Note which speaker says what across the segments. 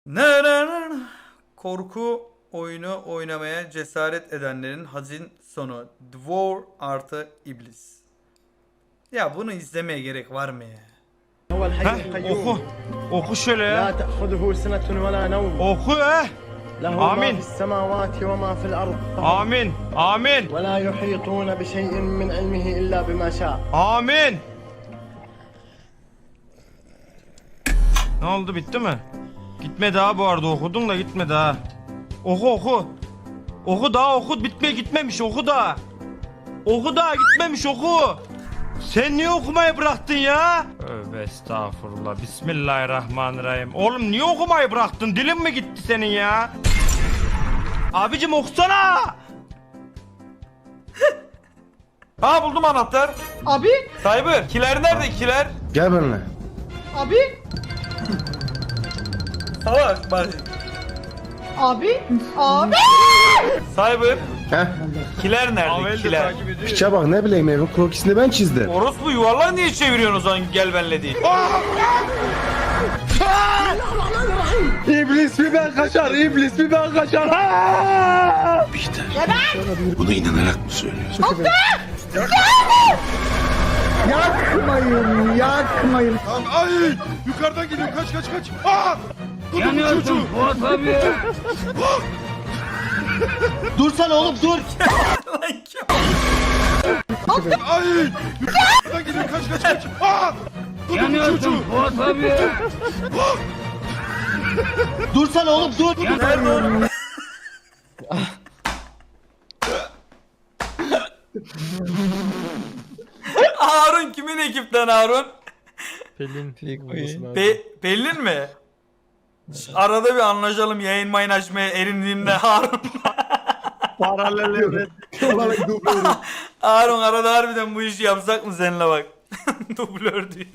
Speaker 1: Korku oyunu oynamaya cesaret edenlerin hazin sonu. Dwarf artı iblis. Ya bunu izlemeye gerek var mı ya?
Speaker 2: Oku. Oku şöyle
Speaker 3: لا
Speaker 2: ya.
Speaker 3: تأخذه سنة ولا نوم
Speaker 2: Oku
Speaker 3: له
Speaker 2: آمين.
Speaker 3: ما في السماوات وما في الأرض
Speaker 2: Amin. Amin.
Speaker 3: ولا يحيطون بشيء من علمه إلا بما شاء.
Speaker 2: Amin. Ne oldu, bitti mi? Gitmedi ha, bu arada okudun da gitmedi ha. Oku oku. Oku daha, oku, gitmemiş, oku daha. Oku daha, gitmemiş, oku. Sen niye okumayı bıraktın ya? Tövbe estağfurullah. Bismillahirrahmanirrahim. Oğlum niye okumayı bıraktın? Dilin mi gitti senin ya? Abicim okusana.
Speaker 1: Ha buldum anahtar.
Speaker 4: Abi,
Speaker 1: Cyber. Kiler nerede kiler?
Speaker 5: Gel benimle.
Speaker 4: abi,
Speaker 1: Salak bak.
Speaker 4: abi, abi.
Speaker 1: Cyber.
Speaker 5: Heh.
Speaker 1: Kiler nerede
Speaker 2: Avel de
Speaker 1: kiler?
Speaker 2: takip ediyor.
Speaker 5: Piçe bak, ne bileyim, evin krokisini ben çizdim.
Speaker 1: Orospu yuvarlağı niye çeviriyorsun o zaman gel benle değil?
Speaker 5: İblis bir ben kaçar, iblis bir ben kaçar.
Speaker 6: Bunu inanarak mı söylüyorsun?
Speaker 4: Yakmayın, yakmayın.
Speaker 6: Ay! Yukarıdan geliyor. Kaç kaç kaç. Aa! Yanıyorsun Fuat abi.
Speaker 3: Dursana oğlum dur.
Speaker 1: Lan kim?
Speaker 6: Ay! Yukarıdan geliyor. Kaç kaç kaç. Aa! Yanıyorsun Fuat abi.
Speaker 3: Dursana oğlum dur.
Speaker 1: Nerede oğlum? Harun kimin ekipten Harun? Pelin mi? Arada bir anlaşalım, yayın mayın açmaya erindiğimde Harun. Harun arada harbiden bu işi yapsak mı seninle bak. Dublör diye.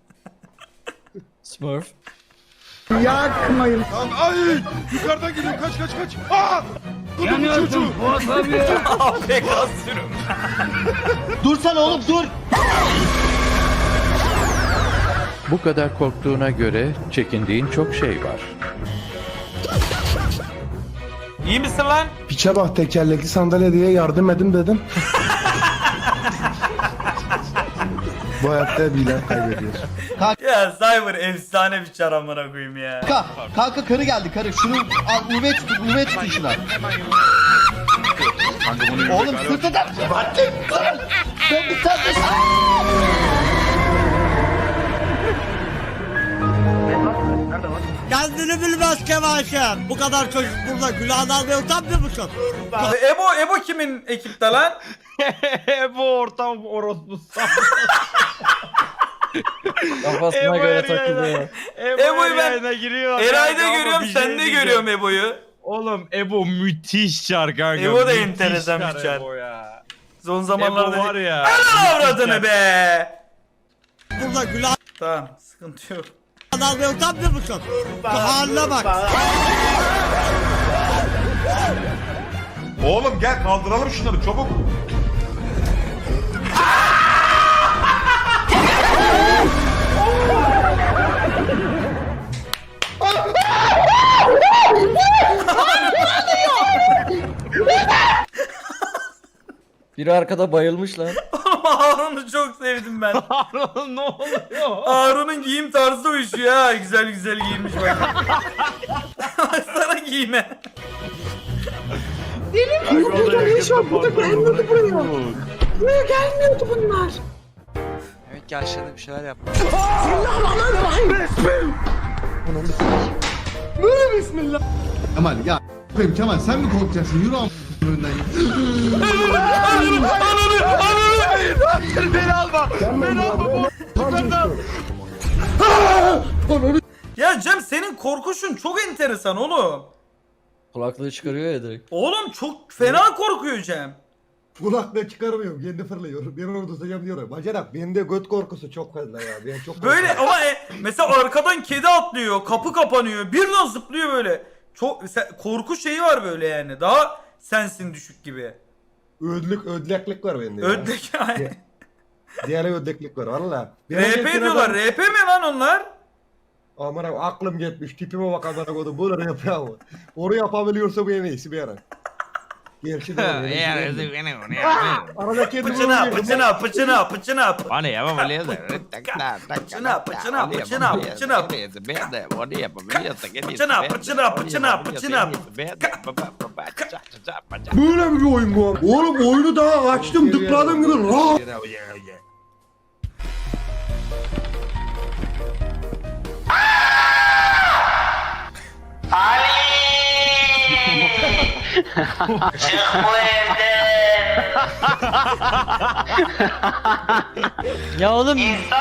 Speaker 7: Smurf.
Speaker 4: Yakmayın.
Speaker 6: Ay! Yukarıdan geliyor. Kaç kaç kaç. Aa! Yanıyorsun Fuat abi.
Speaker 1: APK sürüm.
Speaker 3: Dursana oğlum dur.
Speaker 8: Bu kadar korktuğuna göre çekindiğin çok şey var.
Speaker 1: İyi misin lan?
Speaker 5: Piçe bak, tekerlekli sandalye diye yardım edin dedim. Bu hayatta bilen kaybediyor.
Speaker 1: Ya Cyber efsane bir çar amına koyayım ya.
Speaker 3: Kanka karı geldi karı. Şunu al UV tutun şuna. Oğlum sırtından. Ben bir tane.
Speaker 9: Kendini bilmez Kemal'cim. Bu kadar çocuk burada günahını almaya utanmıyor musun?
Speaker 1: Ebo kimin ekipte lan?
Speaker 2: Bu ortam orospu.
Speaker 7: Kafasına göre takılıyor.
Speaker 1: Ebo'yu ben
Speaker 2: yayına giriyor.
Speaker 1: Eray'da
Speaker 2: Ama
Speaker 1: görüyorum,
Speaker 2: bir şey
Speaker 1: sende
Speaker 2: diyeceğim.
Speaker 1: görüyorum Ebo'yu.
Speaker 2: Oğlum Ebo müthiş çar kanka.
Speaker 1: Ebo da
Speaker 2: müthiş
Speaker 1: enteresan bir çar.
Speaker 2: Ebo ya.
Speaker 1: Son
Speaker 2: Ebo
Speaker 1: zamanlarda...
Speaker 2: var ya.
Speaker 1: Ana avradını be!
Speaker 9: Burada günahını
Speaker 1: Tamam, sıkıntı yok.
Speaker 9: almaya utanmıyor musun? Bu haline bak.
Speaker 6: Oğlum gel kaldıralım şunları çabuk.
Speaker 7: Biri arkada bayılmış lan.
Speaker 1: Ama Harun'u çok sevdim ben.
Speaker 2: Harun ne oluyor?
Speaker 1: Harun'un giyim tarzı uyuşuyor ha. Güzel güzel giyinmiş bak. Baksana giyime.
Speaker 4: Buraya gelmiyordu bunlar.
Speaker 7: Evet ki aşağıda bir şeyler yap.
Speaker 4: Böyle bismillah.
Speaker 6: Kemal ya. Kemal sen mi korkacaksın? Yürü am önden.
Speaker 1: Ya Cem senin korkuşun çok enteresan oğlum.
Speaker 7: Kulaklığı çıkarıyor ya direkt.
Speaker 1: Oğlum çok fena korkuyor Cem.
Speaker 10: Kulakla çıkarmıyorum, kendi fırlıyorum. Ben orada tutacağım diyorum. Bacanak, bende göt korkusu çok fazla ya. Ben çok
Speaker 1: Böyle ama mesela arkadan kedi atlıyor, kapı kapanıyor, birden zıplıyor böyle. Çok korku şeyi var böyle yani. Daha sensin düşük gibi.
Speaker 10: ödleklik var bende ya.
Speaker 1: Ödlek yani.
Speaker 10: Diğer ödleklik var valla.
Speaker 1: RP diyorlar. RP mi lan onlar?
Speaker 10: Aman abi aklım gitmiş. Tipime bak amına koydum. Bunları yapıyor ama. Onu yapabiliyorsa bu en iyisi bir ara. Gerçi de arada kendimi
Speaker 1: Pıçına
Speaker 10: öldürdüm.
Speaker 1: pıçına pıçına pıçına.
Speaker 2: Bana yapamıyor da.
Speaker 1: Pıçına pıçına pıçına pıçına. Pıçına.
Speaker 10: Böyle bir oyun bu abi. Oğlum oyunu daha açtım tıkladım gibi rahat.
Speaker 7: Ya oğlum.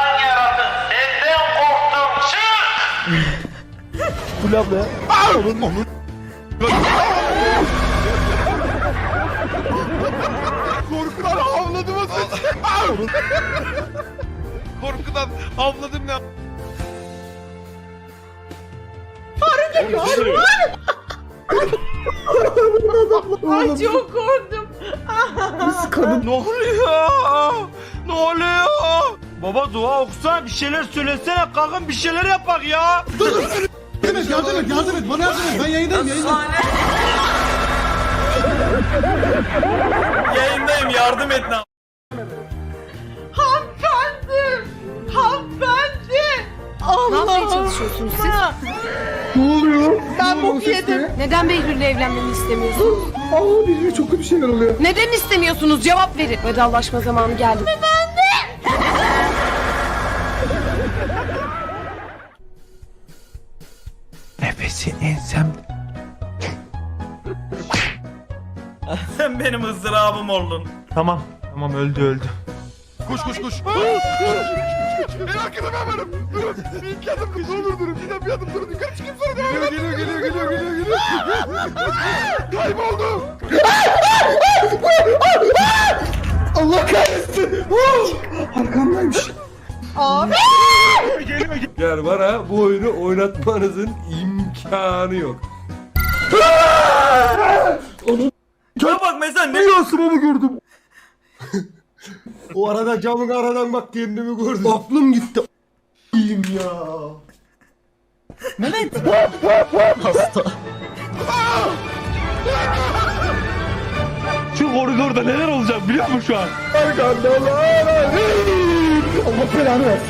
Speaker 6: Korkudan havladım o Korkudan havladım ne?
Speaker 4: Ay çok korktum.
Speaker 2: Ne oluyor? Ne oluyor? Baba dua okusana bir şeyler söylesene kalkın bir şeyler yapak ya.
Speaker 10: Yardım et bana yardım et. Ben yayındayım.
Speaker 1: Yayındayım yardım et lan.
Speaker 4: Hanımefendi. Hanımefendi.
Speaker 11: Ne yapmaya
Speaker 4: Allah.
Speaker 11: çalışıyorsunuz siz?
Speaker 10: Ne oluyor?
Speaker 4: Ben bok yedim.
Speaker 11: Neden Behlül'le evlenmemi istemiyorsunuz?
Speaker 10: Aa bir çok kötü şeyler oluyor.
Speaker 11: Neden istemiyorsunuz? Cevap verin. Vedalaşma zamanı geldi.
Speaker 8: Nefesi ensem.
Speaker 1: Sen benim ızdırabım oldun.
Speaker 2: Tamam öldü.
Speaker 6: Koş. En arkada ben varım. Durun. Bir iki adım ne olur durun. Bir adım durun. Yukarı çıkayım sonra devam edin. Geliyor. Kayboldu.
Speaker 10: Allah kahretsin. Arkamdaymış.
Speaker 4: Abi.
Speaker 10: Yani bana bu oyunu oynatmanızın imkanı yok.
Speaker 1: Ya bak mesela ne
Speaker 10: Yansımamı gördüm. O arada camın aradan bak kendimi gördüm. Aklım gitti. İyiyim ya.
Speaker 2: Şu koridorda neler olacak biliyor musun şu an?
Speaker 10: Allah belanı versin.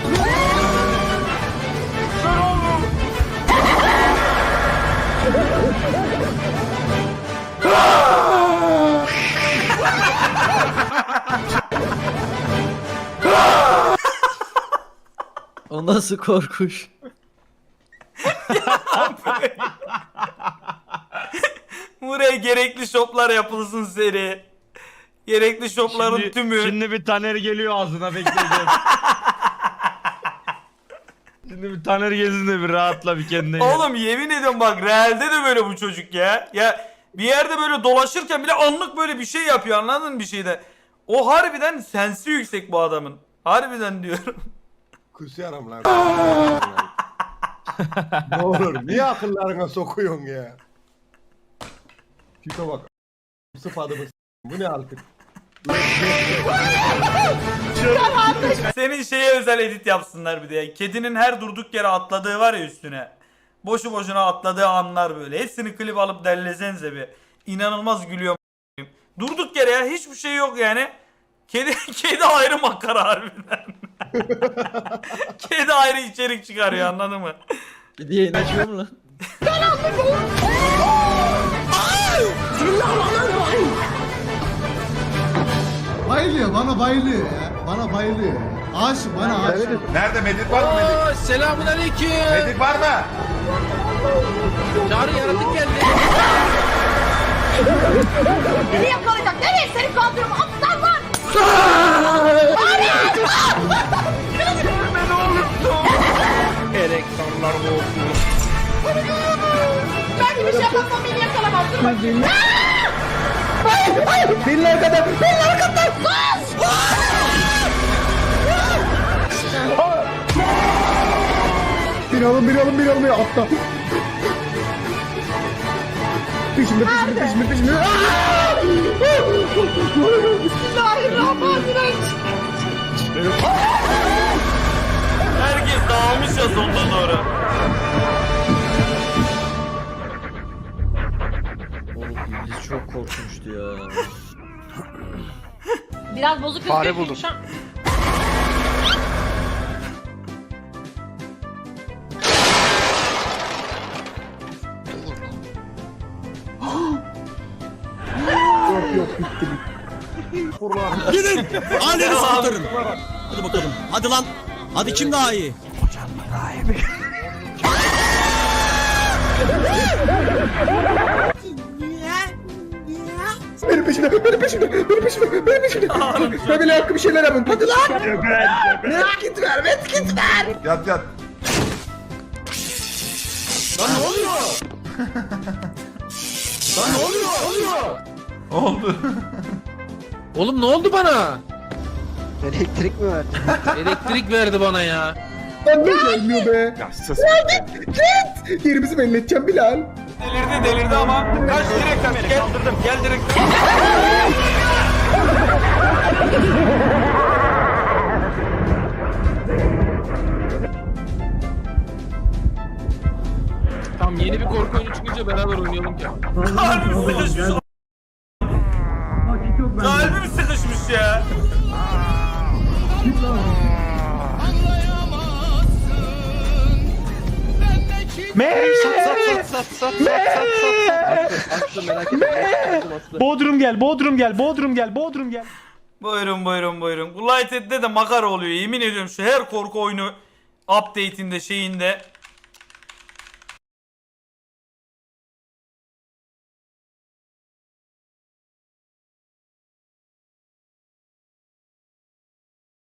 Speaker 7: O nasıl korkuş?
Speaker 1: buraya gerekli şoplar yapılsın seri. Gerekli şopların tümü.
Speaker 2: Şimdi bir Taner geliyor ağzına bekleyeceğim. Şimdi bir Taner gelsin de bir rahatla bir kendine gel.
Speaker 1: Oğlum yemin ediyorum bak realde de böyle bu çocuk ya. Ya bir yerde böyle dolaşırken bile anlık böyle bir şey yapıyor anladın mı bir şeyde. O harbiden sensi yüksek bu adamın. Harbiden diyorum.
Speaker 10: Kusuyorum lan. Ne olur niye akıllarına sokuyorsun ya? Tipe bak. Sıfadımız. Bu ne artık?
Speaker 1: Senin şeye özel edit yapsınlar bir de ya. Kedinin her durduk yere atladığı var ya üstüne. Boşu boşuna atladığı anlar böyle. Hepsini klip alıp derlesenize bir. İnanılmaz gülüyorum. Durduk yere ya hiçbir şey yok yani. Kedi ayrı makara harbiden. Kedi ayrı içerik çıkarıyor anladın mı?
Speaker 7: Bir diye açıyor mu lan?
Speaker 10: Bayılıyor bana bayılıyor ya. Bana bayılıyor. Aşık bana aşık.
Speaker 6: Nerede medik var mı medik?
Speaker 7: Selamun aleyküm.
Speaker 6: Medik var mı?
Speaker 7: Çağrı yaratık geldi.
Speaker 11: Beni yakalayacak. Nereye seni kaldırıyorum? Aptal var.
Speaker 2: Erektorlar boğuldu.
Speaker 11: Ben gibi şey yapmam. Beni yakalamaz. Dur bakayım.
Speaker 10: Benim arkadan. Bir alın ya atla. Peşimde.
Speaker 11: Bismillahirrahmanirrahim.
Speaker 1: Herkes dağılmış ya sonuna doğru.
Speaker 7: Oğlum iblis çok korkmuştu ya.
Speaker 11: Biraz bozuk
Speaker 6: Fare buldum.
Speaker 9: Gidin. Ailenizi kurtarın. Hadi bakalım. Hadi lan. Hadi kim daha iyi?
Speaker 5: Benim peşimde, benim peşimde, benim peşimde, benim peşimde. Family hakkı bir şeyler yapın. Hadi lan. Medkit ver, medkit ver.
Speaker 6: Yat yat.
Speaker 9: Lan ne oluyor? Lan ne oluyor?
Speaker 1: Oldu.
Speaker 7: Oğlum ne oldu bana?
Speaker 3: Elektrik mi verdi?
Speaker 7: Elektrik verdi bana ya.
Speaker 5: Lan ne gelmiyor be.
Speaker 6: Ya sus.
Speaker 5: Git. Yerimizi belli edeceğim Bilal.
Speaker 1: Delirdi ama. Kaç direkt gel. Kaldırdım. Gel direkt.
Speaker 7: Tamam yeni bir korku oyunu çıkınca beraber oynayalım ya.
Speaker 1: Kalbim sıkışmış. Kalbim sıkışmış ya.
Speaker 2: Bodrum gel, Bodrum gel, Bodrum gel, Bodrum gel.
Speaker 1: Buyurun. Bu Lighthead'de de makara oluyor. Yemin ediyorum şu her korku oyunu update'inde şeyinde